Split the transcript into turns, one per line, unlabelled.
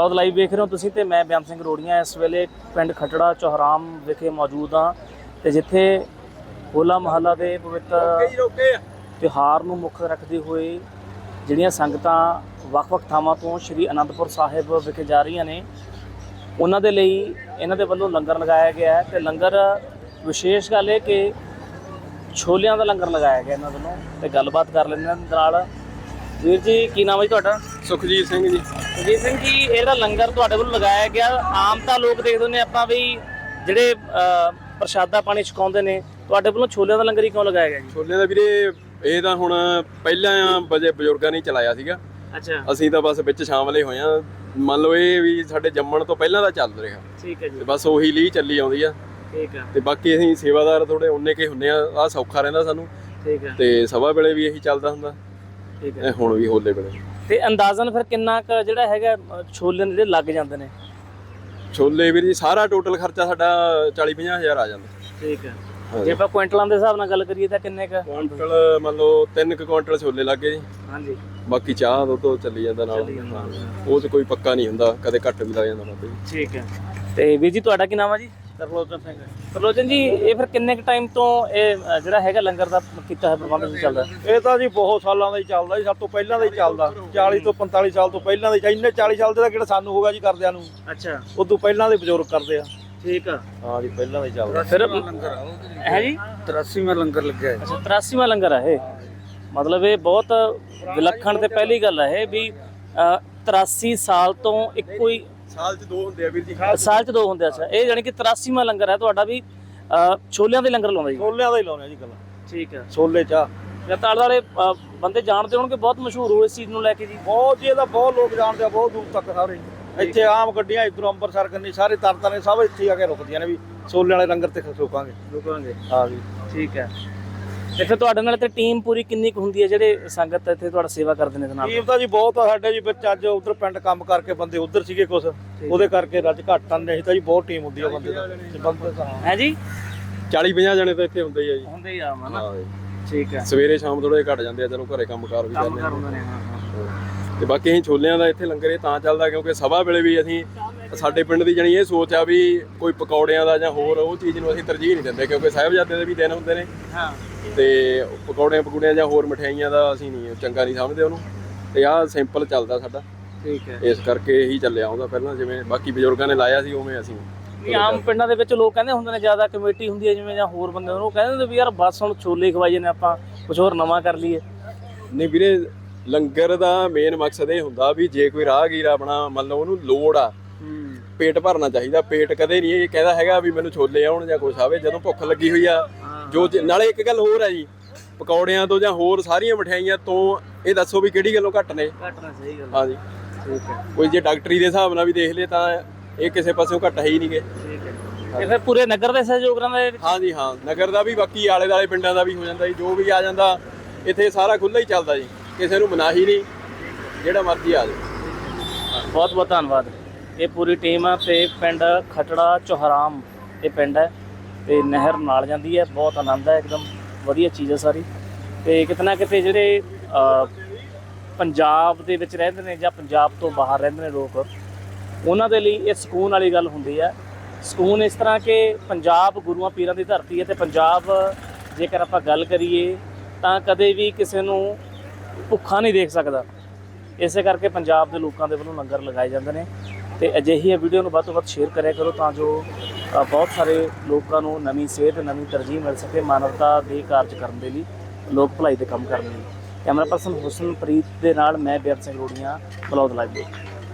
Blog live ਵੇਖ ਰਹੇ ਹੋ ਤੁਸੀਂ ਤੇ ਮੈਂ ਬਿਆਨ ਸਿੰਘ ਰੋੜੀਆਂ ਇਸ ਵੇਲੇ ਪਿੰਡ ਖਟੜਾ ਚੌਹਰਾਮ ਵਿਖੇ ਮੌਜੂਦ ਹਾਂ ਤੇ ਜਿੱਥੇ ਹੋਲਾ ਮਹੱਲਾ ਦੇ ਪਵਿੱਤਰ ਤਿਉਹਾਰ ਨੂੰ ਮੁੱਖ ਰੱਖਦੇ ਹੋਏ ਜਿਹੜੀਆਂ ਸੰਗਤਾਂ ਵੱਖ-ਵੱਖ ਥਾਵਾਂ ਤੋਂ ਸ਼੍ਰੀ ਅਨੰਦਪੁਰ ਸਾਹਿਬ ਵਿਖੇ ਜਾ ਰਹੀਆਂ ਨੇ ਉਹਨਾਂ ਦੇ ਲਈ ਇਹਨਾਂ ਦੇ ਵੱਲੋਂ ਲੰਗਰ ਲਗਾਇਆ ਗਿਆ ਹੈ ਤੇ ਲੰਗਰ ਵਿਸ਼ੇਸ਼ ਗੱਲ ਇਹ ਕਿ ਛੋਲਿਆਂ ਦਾ ਲੰਗਰ ਲਗਾਇਆ ਗਿਆ ਇਹਨਾਂ ਵੱਲੋਂ ਤੇ ਗੱਲਬਾਤ ਕਰ ਲੈਂਦੇ ਹਾਂ ਨਾਲ। ਵੀਰ ਜੀ ਕੀ ਨਾਮ ਹੈ ਜੀ ਤੁਹਾਡਾ?
ਸੁਖਜੀਤ ਸਿੰਘ ਜੀ।
ਸੁਖਜੀਤ ਸਿੰਘ ਜੀ, ਇਹ ਜਿਹੜਾ ਲੰਗਰ ਤੁਹਾਡੇ ਵੱਲੋਂ ਲਗਾਇਆ ਗਿਆ, ਆਮ ਤਾਂ ਲੋਕ ਦੇਖਦੇ ਨੇ ਆਪਾਂ ਵੀ ਜਿਹੜੇ ਪ੍ਰਸ਼ਾਦਾ ਪਾਣੀ ਛਕਾਉਂਦੇ ਨੇ, ਤੁਹਾਡੇ ਵੱਲੋਂ ਛੋਲਿਆਂ ਦਾ ਲੰਗਰ ਹੀ ਕਿਉਂ ਲਗਾਇਆ ਗਿਆ ਜੀ?
ਛੋਲਿਆਂ ਦਾ ਵੀਰੇ ਇਹ ਤਾਂ ਹੁਣ ਪਹਿਲਾਂ ਬਜ਼ੁਰਗਾਂ ਨੇ ਚਲਾਇਆ ਸੀਗਾ।
ਅੱਛਾ,
ਅਸੀਂ ਤਾਂ ਬਸ ਵਿੱਚ ਸ਼ਾਮਲੇ ਹੋਏ ਆ। ਮੰਨ ਲਓ ਇਹ ਵੀ ਸਾਡੇ ਜੰਮਣ ਤੋਂ ਪਹਿਲਾਂ ਦਾ ਚੱਲ ਰਿਹਾ।
ਠੀਕ ਹੈ ਜੀ।
ਤੇ ਬਸ ਉਹੀ ਲਈ ਚੱਲੀ ਆਉਂਦੀ ਆ।
ਠੀਕ ਹੈ।
ਤੇ ਬਾਕੀ ਅਸੀਂ ਸੇਵਾਦਾਰ ਥੋੜੇ ਉਨੇ ਕੇ ਹੁੰਨੇ ਆ ਸੌਖਾ ਰਹਿੰਦਾ ਸਾਨੂੰ।
ਠੀਕ ਹੈ।
ਤੇ ਸਭਾ ਵੇਲੇ ਵੀ ਇਹੀ ਚੱਲਦਾ ਹੁੰਦਾ।
ਠੀਕ ਹੈ।
ਹੁਣ ਵੀ ਹੋਲੇ ਵੇਲੇ
ਤੇ ਅੰਦਾਜ਼ਨ ਫਿਰ ਕਿੰਨਾ ਕੁ ਜਿਹੜਾ ਹੈਗਾ ਛੋਲੇ ਜਿਹੜੇ ਲੱਗ ਜਾਂਦੇ ਨੇ?
ਛੋਲੇ ਵੀਰ ਜੀ ਸਾਰਾ ਟੋਟਲ ਖਰਚਾ ਸਾਡਾ 40-50 ਹਜ਼ਾਰ ਆ ਜਾਂਦਾ।
ਠੀਕ ਹੈ। ਜੇ ਆਪਾਂ ਕੁਇੰਟਲਾਂ ਦੇ ਹਿਸਾਬ ਨਾਲ ਗੱਲ ਕਰੀਏ ਤਾਂ ਕਿੰਨੇ ਕੁ
ਕੁਇੰਟਲ? ਮੰਨ ਲਓ 3 ਕੁਇੰਟਲ ਛੋਲੇ ਲੱਗੇ ਜੀ।
ਹਾਂਜੀ।
ਬਾਕੀ ਚਾਹ ਤੋਂ ਚੱਲੀ ਜਾਂਦਾ ਨਾਲ। ਉਹ 'ਚ ਕੋਈ ਪੱਕਾ ਨਹੀਂ ਹੁੰਦਾ, ਕਦੇ ਘੱਟ ਵੀ ਲੱਗ ਜਾਂਦਾ ਬਾਬੇ ਜੀ।
ਠੀਕ ਹੈ। ਤੇ ਵੀਰ ਜੀ ਤੁਹਾਡਾ ਕੀ ਨਾਮ ਹੈ ਜੀ? ਤਰਲੋਚਨ ਸਿੰਘ। ਤਰਲੋਚਨ ਜੀ, ਇਹ ਫਿਰ ਕਿੰਨੇ ਕੁ ਟਾਈਮ ਤੋਂ ਇਹ ਜਿਹੜਾ ਹੈਗਾ ਲੰਗਰ ਦਾ ਕੀਤਾ ਹੈ ਪ੍ਰਬੰਧ ਚੱਲਦਾ?
ਇਹ ਤਾਂ ਜੀ ਬਹੁਤ ਸਾਲਾਂ ਦਾ ਹੀ ਚੱਲਦਾ ਜੀ, ਸਭ ਤੋਂ ਪਹਿਲਾਂ ਦਾ ਹੀ ਚੱਲਦਾ। 40 ਤੋਂ 45 ਸਾਲ ਤੋਂ ਪਹਿਲਾਂ ਦਾ ਹੀ। ਇੰਨੇ 40 ਸਾਲ ਦੇ ਤਾਂ ਕਿਹੜਾ ਸਾਨੂੰ ਹੋਗਾ ਜੀ ਕਰਦਿਆਂ ਨੂੰ।
ਅੱਛਾ,
ਉਦੋਂ ਪਹਿਲਾਂ ਦੇ ਬਜ਼ੁਰਗ ਕਰਦੇ ਆ।
ਠੀਕ ਆ।
ਹਾਂ ਜੀ, ਪਹਿਲਾਂ ਦਾ ਹੀ ਚੱਲਦਾ।
ਫਿਰ ਹੈ ਜੀ
83ਵਾਂ ਲੰਗਰ ਲੱਗਿਆ।
ਅੱਛਾ, 83ਵਾਂ ਲੰਗਰ ਆ ਇਹ। ਮਤਲਬ ਇਹ ਬਹੁਤ ਵਿਲੱਖਣ ਤੇ ਪਹਿਲੀ ਗੱਲ ਹੈ ਇਹ ਵੀ 83 ਸਾਲ ਤੋਂ ਇੱਕੋ ਹੀ
ਸਾਲ 'ਚ 2 ਹੁੰਦੇ ਆ ਵੀਰ ਜੀ।
ਸਾਲ 'ਚ 2 ਹੁੰਦੇ। ਅੱਛਾ, ਇਹ ਜਾਨੀ ਕਿ 83ਵਾਂ ਲੰਗਰ ਹੈ ਤੁਹਾਡਾ ਵੀ ਛੋਲਿਆਂ ਦੇ ਲੰਗਰ ਲਾਉਂਦਾ ਜੀ?
ਛੋਲਿਆਂ ਦਾ ਹੀ ਲਾਉਣੇ ਜੀ ਗੱਲ।
ਠੀਕ ਹੈ।
ਛੋਲੇ ਚਾਹ
ਜਤਾਲ ਵਾਲੇ ਬੰਦੇ ਜਾਣਦੇ ਹੋਣਗੇ, ਬਹੁਤ ਮਸ਼ਹੂਰ ਹੋ ਇਸ ਚੀਜ਼ ਨੂੰ ਲੈ ਕੇ ਜੀ।
ਬਹੁਤ ਜੀ, ਇਹਦਾ ਬਹੁਤ ਲੋਕ ਜਾਣਦੇ ਆ, ਬਹੁਤ ਦੂਰ ਤੱਕ ਸਾਰੇ। ਇੱਥੇ ਆਮ ਗੱਡੀਆਂ ਇਧਰੋਂ ਅੰਮ੍ਰਿਤਸਰ ਕੰਨੀ ਸਾਰੇ ਤਰਤਾਂ ਸਭ ਇੱਥੇ ਆ ਕੇ ਰੁਕਦੀਆਂ ਨੇ ਵੀ ਛੋਲੇ ਵਾਲੇ ਲੰਗਰ ਤੇ ਰੁਕਾਂਗੇ। ਹਾਂ ਜੀ। ਠੀਕ ਹੈ। ਤੇ ਫਿਰ ਤੁਹਾਡੇ ਨਾਲ ਤੇ ਟੀਮ ਪੂਰੀ ਕਿੰਨੀ ਕੁ ਹੁੰਦੀ ਹੈ ਜਿਹੜੇ ਸੰਗਤ ਇੱਥੇ ਤੁਹਾਡਾ ਸੇਵਾ ਕਰਦੇ ਨੇ? ਨਾਲ ਟੀਮ ਤਾਂ ਜੀ ਬਹੁਤ ਆ ਸਾਡੇ ਜੀ ਵਿੱਚ। ਅੱਜ ਉਧਰ ਪਿੰਡ ਕੰਮ ਕਰਕੇ ਬੰਦੇ ਉਧਰ ਸੀਗੇ ਕੁਛ, ਉਹਦੇ ਕਰਕੇ ਰੱਜ ਘੱਟ ਆਂਦੇ। ਨਹੀਂ ਤਾਂ ਜੀ ਬਹੁਤ ਟੀਮ ਹੁੰਦੀ ਆ ਬੰਦੇ ਦਾ।
ਹੈ ਜੀ
40-50 ਜਣੇ ਤਾਂ ਇੱਥੇ ਹੁੰਦੇ ਹੀ ਆ ਜੀ।
ਹੁੰਦੇ ਹੀ ਆ ਹਨਾ।
ਹਾਂ ਜੀ।
ਠੀਕ ਹੈ।
ਸਵੇਰੇ ਸ਼ਾਮ ਥੋੜੇ ਘੱਟ ਜਾਂਦੇ ਆ, ਚਲੋ ਘਰੇ ਕੰਮਕਾਰ ਵੀ ਕਰਦੇ ਆ। ਤੇ ਬਾਕੀ ਅਸੀਂ ਛੋਲਿਆਂ ਦਾ ਇੱਥੇ ਲੰਗਰ ਇਹ ਤਾਂ ਚੱਲਦਾ ਕਿਉਂਕਿ ਸਭਾ ਵੇਲੇ ਵੀ ਅਸੀਂ ਸਾਡੇ ਪਿੰਡ ਦੀ ਜਾਣੀ ਇਹ ਸੋਚ ਆ ਵੀ ਕੋਈ ਪਕੌੜਿਆਂ ਦਾ ਜਾਂ ਹੋਰ ਉਹ ਚੀਜ਼ ਨੂੰ ਅਸੀਂ ਤਰਜੀਹ ਨਹੀਂ ਦਿੰਦੇ ਕਿਉਂਕਿ ਸਾਹਿਬਜ਼ਾਦੇ ਦੇ ਵੀ ਦਿਨ ਹੁੰਦੇ ਨੇ।
ਹਾਂ।
ਤੇ ਪਕੌੜਿਆਂ ਜਾਂ ਹੋਰ ਮਠਿਆਈਆਂ ਦਾ ਅਸੀਂ ਨਹੀਂ ਚੰਗਾ ਨਹੀਂ ਸਮਝਦੇ ਉਹਨੂੰ। ਤੇ ਆਹ ਸਿੰਪਲ ਚੱਲਦਾ ਸਾਡਾ।
ਠੀਕ ਹੈ।
ਇਸ ਕਰਕੇ ਇਹੀ ਚੱਲਿਆ ਆਉਂਦਾ ਪਹਿਲਾਂ, ਜਿਵੇਂ ਬਾਕੀ ਬਜ਼ੁਰਗਾਂ ਨੇ ਲਾਇਆ ਸੀ ਉਵੇਂ ਅਸੀਂ।
ਆਮ ਪਿੰਡਾਂ ਦੇ ਵਿੱਚ ਲੋਕ ਕਹਿੰਦੇ ਹੁੰਦੇ ਨੇ ਜ਼ਿਆਦਾ ਕਮੇਟੀ ਹੁੰਦੀ ਹੈ ਜਿਵੇਂ ਜਾਂ ਹੋਰ ਬੰਦੇ ਉਹ ਕਹਿੰਦੇ ਹੁੰਦੇ ਵੀ ਯਾਰ ਬਸ ਹੁਣ ਛੋਲੇ ਖਵਾਈਏ ਨੇ ਆਪਾਂ ਕੁਝ ਹੋਰ ਨਵਾਂ ਕਰ ਲਈਏ।
ਨਹੀਂ ਵੀਰੇ, ਲੰਗਰ ਦਾ ਮੇਨ ਮਕਸਦ ਇਹ ਹੁੰਦਾ ਵੀ ਜੇ ਕੋਈ ਰਾਹਗੀਰ ਆਪਣਾ ਮੰਨ ਲਓ ਉਹਨੂੰ ਲੋੜ ਆ, ਪੇਟ ਭਰਨਾ ਚਾਹੀਦਾ। ਪੇਟ ਕਦੇ ਨਹੀਂ ਇਹ ਕਹਿੰਦਾ ਹੈਗਾ ਵੀ ਮੈਨੂੰ ਛੋਲੇ ਆਉਣ ਜਾਂ ਕੁਛ ਆਵੇ। ਜਦੋਂ ਭੁੱਖ ਲੱਗੀ ਹੋਈ ਆ ਜੋ ਨਾਲੇ ਇੱਕ ਗੱਲ ਹੋਰ ਆ ਜੀ, ਪਕੌੜਿਆਂ ਤੋਂ ਜਾਂ ਹੋਰ ਸਾਰੀਆਂ ਮਠਿਆਈਆਂ ਤੋਂ ਇਹ ਦੱਸੋ ਵੀ ਕਿਹੜੀ ਗੱਲੋਂ ਘੱਟ ਨੇ?
ਘੱਟ ਨਾ, ਸਹੀ ਗੱਲ।
ਹਾਂ ਜੀ।
ਠੀਕ ਹੈ।
ਕੋਈ ਜੇ ਡਾਕਟਰੀ ਦੇ ਹਿਸਾਬ ਨਾਲ ਵੀ ਦੇਖ ਲਏ ਤਾਂ ਇਹ ਕਿਸੇ ਪਾਸਿਓਂ ਘੱਟ ਹੈ ਹੀ ਨਹੀਂਗੇ।
ਠੀਕ ਹੈ। ਤੇ ਫਿਰ ਪੂਰੇ ਨਗਰ ਦੇ ਸਹਿਯੋਗ ਨਾਲ?
ਹਾਂ ਜੀ ਹਾਂ, ਨਗਰ ਦਾ ਵੀ ਬਾਕੀ ਆਲੇ ਦੁਆਲੇ ਪਿੰਡਾਂ ਦਾ ਵੀ ਹੋ ਜਾਂਦਾ ਜੀ। ਜੋ ਵੀ ਆ ਜਾਂਦਾ ਇੱਥੇ ਸਾਰਾ ਖੁੱਲ੍ਹਾ ਹੀ ਚੱਲਦਾ ਜੀ, ਕਿਸੇ ਨੂੰ ਮਨਾਹੀ ਨਹੀਂ, ਜਿਹੜਾ ਮਰਜ਼ੀ ਆ ਜਾਵੇ।
ਬਹੁਤ ਬਹੁਤ ਧੰਨਵਾਦ। ਇਹ ਪੂਰੀ ਟੀਮ ਆ ਤੇ ਪਿੰਡ ਖਟੜਾ ਚੌਹਰਾਮ ਇਹ ਪਿੰਡ ਹੈ ਤੇ ਨਹਿਰ ਨਾਲ ਜਾਂਦੀ ਹੈ। ਬਹੁਤ ਆਨੰਦ ਹੈ, ਇੱਕਦਮ ਵਧੀਆ ਚੀਜ਼ ਹੈ ਸਾਰੀ। ਤੇ ਕਿਤੇ ਨਾ ਕਿਤੇ ਜਿਹੜੇ ਪੰਜਾਬ ਦੇ ਵਿੱਚ ਰਹਿੰਦੇ ਨੇ ਜਾਂ ਪੰਜਾਬ ਤੋਂ ਬਾਹਰ ਰਹਿੰਦੇ ਨੇ ਲੋਕ, ਉਹਨਾਂ ਦੇ ਲਈ ਇਹ ਸਕੂਨ ਵਾਲੀ ਗੱਲ ਹੁੰਦੀ ਹੈ। ਸਕੂਨ ਇਸ ਤਰ੍ਹਾਂ ਕਿ ਪੰਜਾਬ ਗੁਰੂਆਂ ਪੀਰਾਂ ਦੀ ਧਰਤੀ ਹੈ ਤੇ ਪੰਜਾਬ ਜੇਕਰ ਆਪਾਂ ਗੱਲ ਕਰੀਏ ਤਾਂ ਕਦੇ ਵੀ ਕਿਸੇ ਨੂੰ ਭੁੱਖਾ ਨਹੀਂ ਦੇਖ ਸਕਦਾ। ਇਸੇ ਕਰਕੇ ਪੰਜਾਬ ਦੇ ਲੋਕਾਂ ਦੇ ਵੱਲੋਂ ਲੰਗਰ ਲਗਾਏ ਜਾਂਦੇ ਨੇ ਤੇ ਅਜਿਹੀ ਵੀਡੀਓ ਨੂੰ ਵੱਧ ਤੋਂ ਵੱਧ ਸ਼ੇਅਰ ਕਰਿਆ ਕਰੋ ਤਾਂ ਜੋ ਬਹੁਤ ਸਾਰੇ ਲੋਕਾਂ ਨੂੰ ਨਵੀਂ ਸੇਧ, ਨਵੀਂ ਤਰਜੀਹ ਮਿਲ ਸਕੇ ਮਾਨਵਤਾ ਦੇ ਕਾਰਜ ਕਰਨ ਦੇ ਲਈ, ਲੋਕ ਭਲਾਈ ਦੇ ਕੰਮ ਕਰਨ ਲਈ। ਕੈਮਰਾ ਪਰਸਨ ਹੁਸਨਪ੍ਰੀਤ ਦੇ ਨਾਲ ਮੈਂ ਬਿਆਨ ਸਿੰਘ ਰੋੜੀਆਂ, ਬਲੌਗ ਲਾਈਵ।